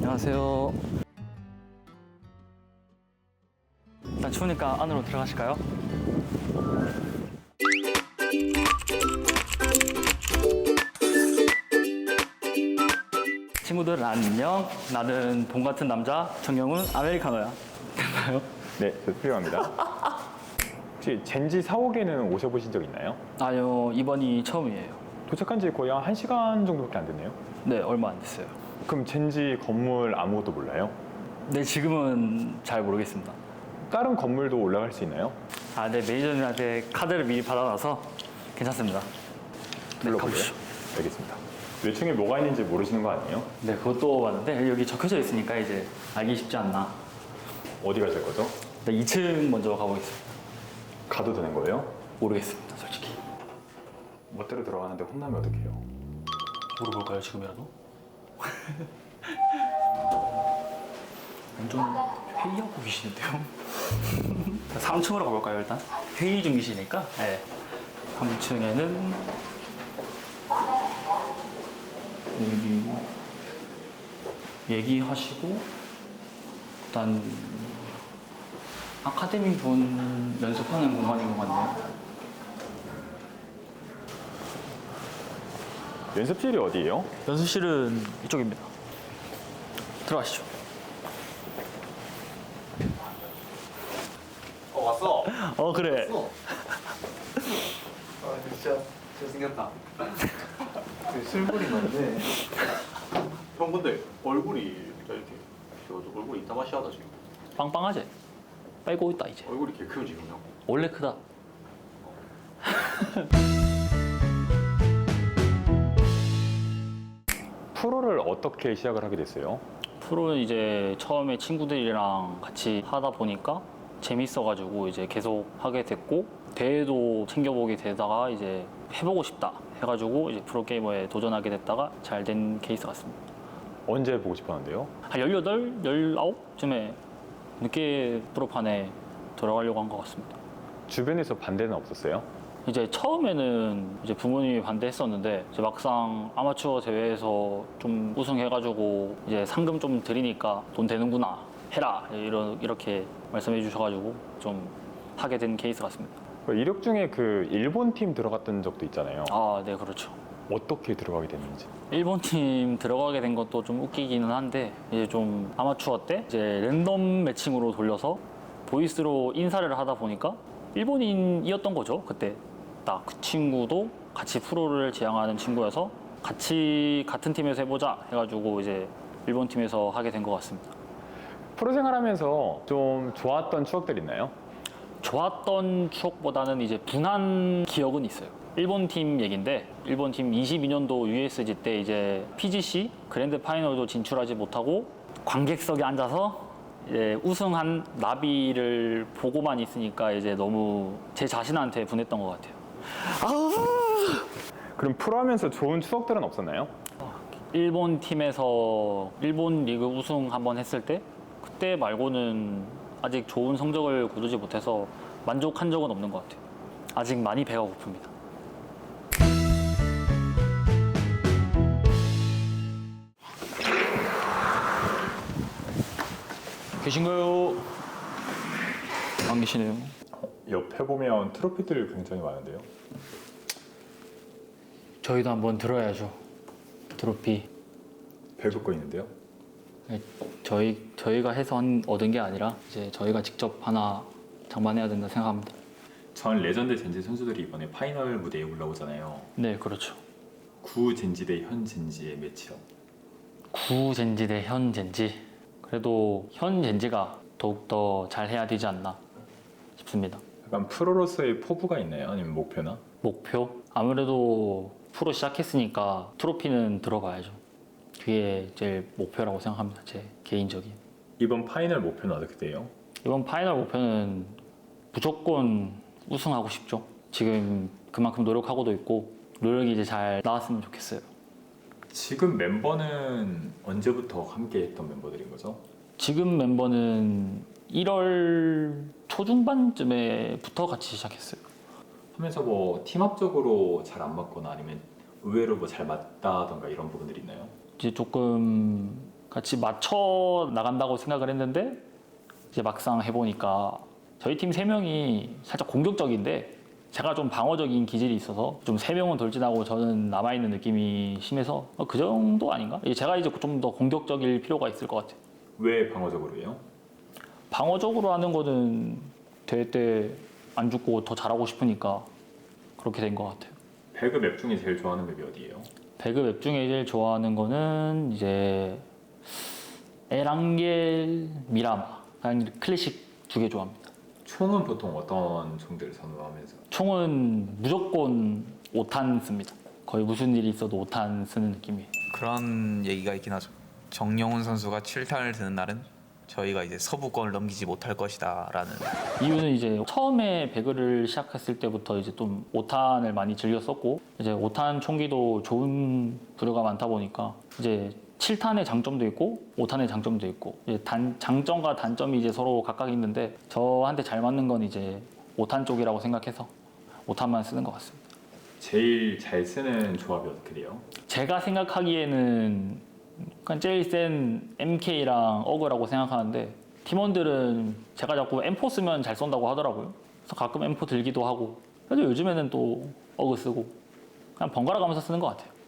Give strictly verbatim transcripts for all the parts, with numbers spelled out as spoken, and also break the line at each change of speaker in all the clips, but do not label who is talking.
안녕하세요. 일단 추우니까 안으로 들어가실까요? 친구들 안녕. 나는 봄 같은 남자 정영훈 아메리카노야. 됐나요?
네, 저 필요합니다. 혹시 젠지 사옥에는 오셔보신 적 있나요?
아니요, 이번이 처음이에요.
도착한 지 거의 한 1시간 정도밖에 안 됐네요.
네, 얼마 안 됐어요.
그럼 젠지 건물 아무것도 몰라요?
네, 지금은 잘 모르겠습니다.
다른 건물도 올라갈 수 있나요?
아, 네, 매니저님한테 카드를 미리 받아놔서 괜찮습니다. 네,
불러보세요.
가보시죠.
알겠습니다. 몇 층에 뭐가 있는지 모르시는 거 아니에요?
네, 그것도 봤는데 여기 적혀져 있으니까 이제 알기 쉽지 않나.
어디 가실 거죠?
네, 이 층 먼저 가보겠습니다.
가도 되는 거예요?
모르겠습니다, 솔직히.
멋대로 들어가는데 혼나면 어떡해요?
물어볼까요, 지금이라도? 완전 회의하고 계시는데요? 삼 층으로 가볼까요, 일단? 회의 중이시니까. 네. 삼 층에는 여기 얘기하시고 일단 아카데미 분 연습하는 공간인 것 같네요.
연습실이 어디예요?
연습실은 이쪽입니다. 들어가시죠.
어 왔어?
어, 그래.
왔어? 아 진짜 잘생겼다. 술벌이 많네. 형 근데 얼굴이 이렇게 키워도 얼굴이 이따마시하다 지금.
빵빵하지? 빼고 있다, 이제.
얼굴이 개 크요 지금 형.
원래 크다.
프로를 어떻게 시작을 하게 됐어요?
프로는 이제 처음에 친구들이랑 같이 하다 보니까 재밌어가지고 이제 계속 하게 됐고, 대회도 챙겨보게 되다가 이제 해보고 싶다 해가지고 이제 프로게이머에 도전하게 됐다가 잘 된 케이스 같습니다.
언제 보고 싶었는데요?
한 열여덟, 열아홉쯤에 늦게 프로판에 들어가려고 한 것 같습니다.
주변에서 반대는 없었어요?
이제 처음에는 이제 부모님이 반대했었는데 이제 막상 아마추어 대회에서 좀 우승해가지고 이제 상금 좀 드리니까 돈 되는구나 해라 이런 이렇게 말씀해 주셔가지고 좀 하게 된 케이스 같습니다.
이력 중에 그 일본 팀 들어갔던 적도 있잖아요.
아, 네, 그렇죠.
어떻게 들어가게 됐는지.
일본 팀 들어가게 된 것도 좀 웃기기는 한데 이제 좀 아마추어 때 이제 랜덤 매칭으로 돌려서 보이스로 인사를 하다 보니까 일본인이었던 거죠. 그때 딱 그 친구도 같이 프로를 지향하는 친구여서 같이 같은 팀에서 해보자 해가지고 이제 일본 팀에서 하게 된 것 같습니다.
프로 생활하면서 좀 좋았던 추억들 있나요?
좋았던 추억보다는 이제 분한 기억은 있어요. 일본 팀 얘긴데 일본 팀 이십이 년도 유에스지 때 이제 피지씨 그랜드 파이널도 진출하지 못하고 관객석에 앉아서 이제 우승한 나비를 보고만 있으니까 이제 너무 제 자신한테 분했던 것 같아요.
그럼 프로 하면서 좋은 추억들은 없었나요?
일본 팀에서 일본 리그 우승 한번 했을 때 그때 말고는 아직 좋은 성적을 거두지 못해서 만족한 적은 없는 것 같아요. 아직 많이 배가 고픕니다. 계신가요? 안 계시네요.
옆에 보면 트로피들 굉장히 많은데요.
저희도 한번 들어야죠. 트로피.
벨 긋고 있는데요.
네, 저희 저희가 해서 한- 얻은 게 아니라 이제 저희가 직접 하나 장만해야 된다 생각합니다.
전 레전드 젠지 선수들이 이번에 파이널 무대에 올라오잖아요.
네, 그렇죠.
구 젠지 대 현 젠지의 매치업.
구 젠지 대 현 젠지. 그래도 현 젠지가 더욱더 잘 해야 되지 않나 싶습니다.
약간 프로로서의 포부가 있나요? 아니면 목표나?
목표? 아무래도 프로 시작했으니까 트로피는 들어봐야죠. 그게 제일 목표라고 생각합니다. 제 개인적인.
이번 파이널 목표는 어떻게 돼요?
이번 파이널 목표는 무조건 우승하고 싶죠. 지금 그만큼 노력하고도 있고 노력이 이제 잘 나왔으면 좋겠어요.
지금 멤버는 언제부터 함께 했던 멤버들인 거죠?
지금 멤버는 일월 초중반쯤에부터 같이 시작했어요.
하면서 뭐 팀합적으로 잘 안 맞거나 아니면 의외로 뭐 잘 맞다던가 이런 부분들이 있나요?
이제 조금 같이 맞춰 나간다고 생각을 했는데 이제 막상 해보니까 저희 팀 세 명이 살짝 공격적인데 제가 좀 방어적인 기질이 있어서 좀 세 명은 돌진하고 저는 남아있는 느낌이 심해서 어, 그 정도 아닌가? 제가 이제 좀 더 공격적일 필요가 있을 것 같아요.
왜 방어적으로 해요?
방어적으로 하는 거는 대회 때 안 죽고 더 잘하고 싶으니까 그렇게 된 것 같아요.
배그 맵 중에 제일 좋아하는 맵이 어디예요?
배그 맵 중에 제일 좋아하는 거는 이제 에랑겔, 미라마, 그냥 클래식 두 개 좋아합니다.
총은 보통 어떤 총들을 선호하면서?
총은 무조건 오 탄 씁니다. 거의 무슨 일이 있어도 오 탄 쓰는 느낌이에요.
그런 얘기가 있긴 하죠. 정영훈 선수가 칠 탄을 드는 날은 저희가 이제 서부권을 넘기지 못할 것이다라는.
이유는 이제 처음에 배그를 시작했을 때부터 이제 좀 오 탄을 많이 즐겼었고 이제 오 탄 총기도 좋은 부류가 많다 보니까 이제 칠 탄의 장점도 있고 오 탄의 장점도 있고 이제 단, 장점과 단점이 이제 서로 각각 있는데 저한테 잘 맞는 건 이제 오 탄 쪽이라고 생각해서 오 탄만 쓰는 것 같습니다.
제일 잘 쓰는 조합이 어떻게 돼요?
제가 생각하기에는 그냥 제일 센 엠케이랑 어그라고 생각하는데 팀원들은 제가 자꾸 엠 포 쓰면 잘 쏜다고 하더라고요. 그래서 가끔 엠 포 들기도 하고 그래도 요즘에는 또 어그 쓰고 그냥 번갈아 가면서 쓰는 것 같아요.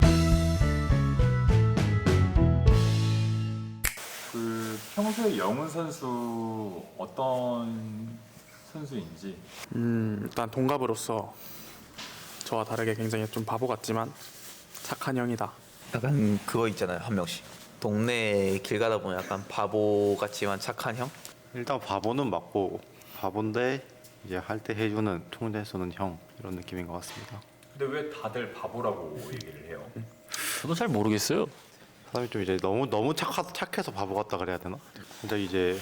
그 평소에 영훈 선수 어떤 선수인지
음, 일단 동갑으로서 저와 다르게 굉장히 좀 바보 같지만 착한 형이다.
약간 그거 있잖아요, 한 명씩. 동네 길 가다 보면 약간 바보 같지만 착한 형?
일단 바보는 맞고 바본데 이제 할 때 해주는 총대 쏘는 형 이런 느낌인 것 같습니다.
근데 왜 다들 바보라고 얘기를 해요?
저도 잘 모르겠어요.
사람이 좀 이제 너무 너무 착하, 착해서 바보 같다 그래야 되나? 근데 이제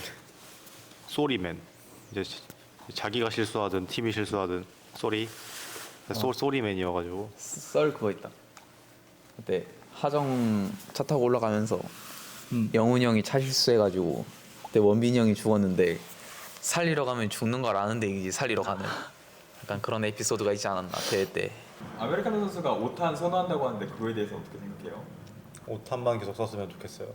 쏘리맨 이제 시- 자기가 실수하든 팀이 실수하든 쏘리 쏘 쏘리맨이어가지고
썰 그거 있다. 그때 하정 차 타고 올라가면서
음.
영훈이 형이 차 실수해가지고 그때 원빈이 형이 죽었는데 살리러 가면 죽는 걸 아는데 이제 살리러 가는 약간 그런 에피소드가 있지 않았나 대회 때.
아메리카노 선수가 오 탄 선호한다고 하는데 그거에 대해서 어떻게 생각해요?
오 탄만 계속 썼으면 좋겠어요.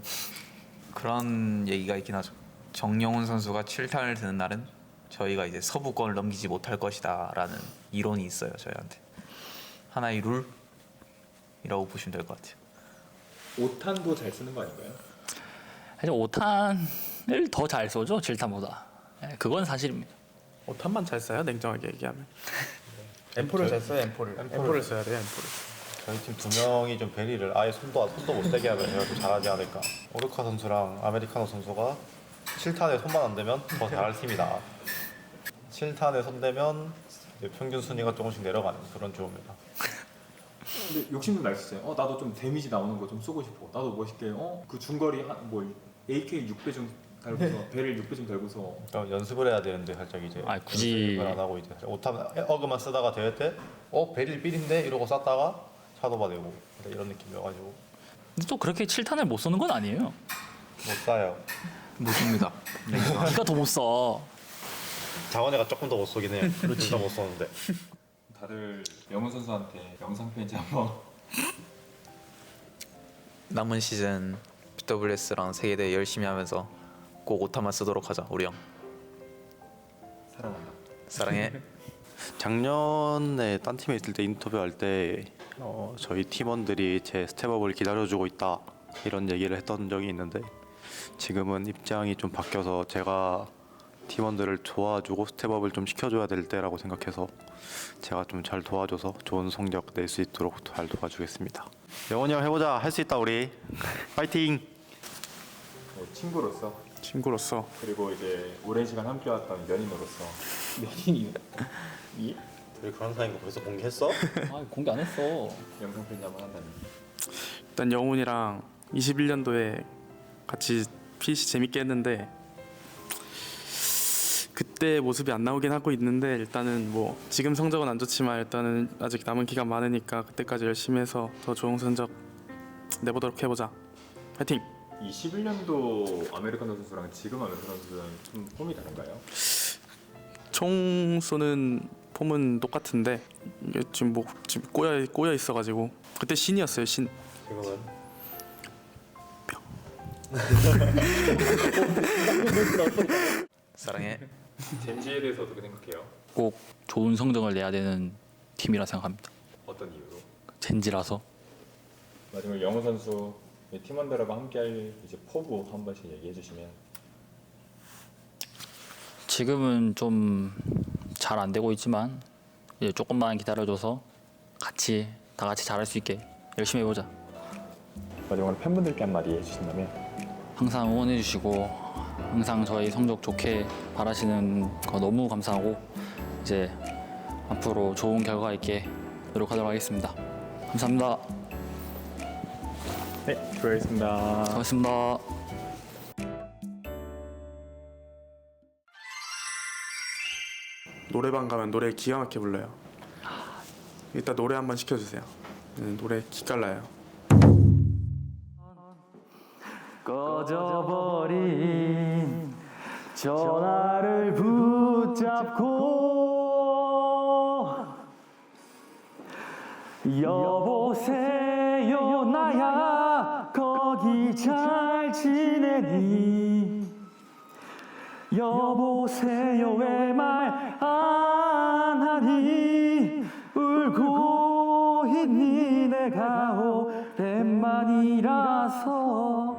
그런 얘기가 있긴 하죠. 정영훈 선수가 칠 탄을 드는 날은 저희가 이제 서부권을 넘기지 못할 것이다라는 이론이 있어요, 저희한테. 하나의 룰이라고 보시면 될 것 같아요.
오 탄도 잘 쓰는 거 아닌가요?
사실 오 탄을 더 잘 쏘죠, 칠 탄보다. 네, 그건 사실입니다.
오 탄만 잘 써요, 냉정하게 얘기하면. 엠포를 잘 써요, 엠포를. 엠포를 써야 돼요, 엠포를.
저희 팀 두 명이 좀 베리를 아예 손도 손도 못 대게 하면 제가 좀 잘하지 않을까. 오르카 선수랑 아메리카노 선수가 칠 탄에 손만 안 대면 더 잘할 팀이다. 칠 탄에 손 대면 이제 평균 순위가 조금씩 내려가는 그런 조입니다.
근데 욕심도 날 수 있어요. 어 나도 좀 데미지 나오는 거 좀 쏘고 싶어. 나도 멋있게 어그 중거리 한, 뭐 에이케이 육 배 좀 달고서 배를 육 배 좀 달고서
그러니까 연습을 해야 되는데 살짝 이제
아, 굳이-
연습을 안 하고 이제 오탄 어그만 쓰다가 대회 때어 베릴 삘인데 이러고 쐈다가 차도바 되고 이런 느낌이어가지고
근데 또 그렇게 칠 탄을 못 쏘는 건 아니에요.
못 쏴요.
못입니다.
니가 더 못 써.
장원이가 조금 더 못 쏘긴 해요. 진짜 못 쏘는데.
다들 영훈 선수한테 영상 편지 한번
남은 시즌 비더블유에스랑 세계대회 열심히 하면서 꼭 오타만 쓰도록 하자, 우리 형.
사랑한다.
사랑해.
작년에 딴 팀에 있을 때 인터뷰할 때 어, 저희 팀원들이 제 스텝업을 기다려주고 있다 이런 얘기를 했던 적이 있는데 지금은 입장이 좀 바뀌어서 제가 팀원들을 도와주고 스텝업을 좀 시켜줘야 될 때라고 생각해서 제가 좀 잘 도와줘서 좋은 성적 낼 수 있도록 잘 도와주겠습니다. 영원히 형 해보자. 할 수 있다 우리. 파이팅.
뭐 친구로서
친구로서
그리고 이제 오랜 시간 함께왔던 연인으로서
연인이. 예?
둘이 그런 사이인 거 벌써 공개했어?
아, 공개 안 했어.
영상 편지 한번 한다니.
일단 영훈이랑 이십일 년도에 같이 피씨 재밌게 했는데 그때 모습이 안 나오긴 하고 있는데 일단은 뭐 지금 성적은 안 좋지만 일단은 아직 남은 기간 많으니까 그때까지 열심히 해서 더 좋은 성적 내보도록 해보자. 파이팅!
이십일 년도 아메리카노 선수랑 지금 아메리카노 선수랑 좀 폼이 다른가요?
총 쏘는 폼은 똑같은데 이게 지금 뭐 지금 꼬여 꼬여 있어가지고 그때 신이었어요 신.
지금은
사랑해.
젠지에 대해서 어떻게 생각해요?
꼭 좋은 성적을 내야 되는 팀이라 생각합니다.
어떤 이유로?
젠지라서.
마지막 영호 선수 팀원들하고 함께할 이제 포부 한 번씩 얘기해 주시면.
지금은 좀 잘 안 되고 있지만 이제 조금만 기다려줘서 같이 다 같이 잘할 수 있게 열심히 해보자.
마지막으로 팬분들께 한마디 해주신다면.
항상 응원해주시고 항상 저희 성적 좋게 바라시는 거 너무 감사하고 이제 앞으로 좋은 결과 있게 노력하도록 하겠습니다. 감사합니다.
네, 수고하셨습니다.
수고하셨습니다.
노래방 가면 노래 기가 막히게 불러요. 일단 노래 한번 시켜주세요. 네, 노래 기깔나요.
꺼져버린 전화를 붙잡고 여보세요 나야 거기 잘 지내니 여보세요 왜 말 안 하니 울고 있니 내가 오랜만이라서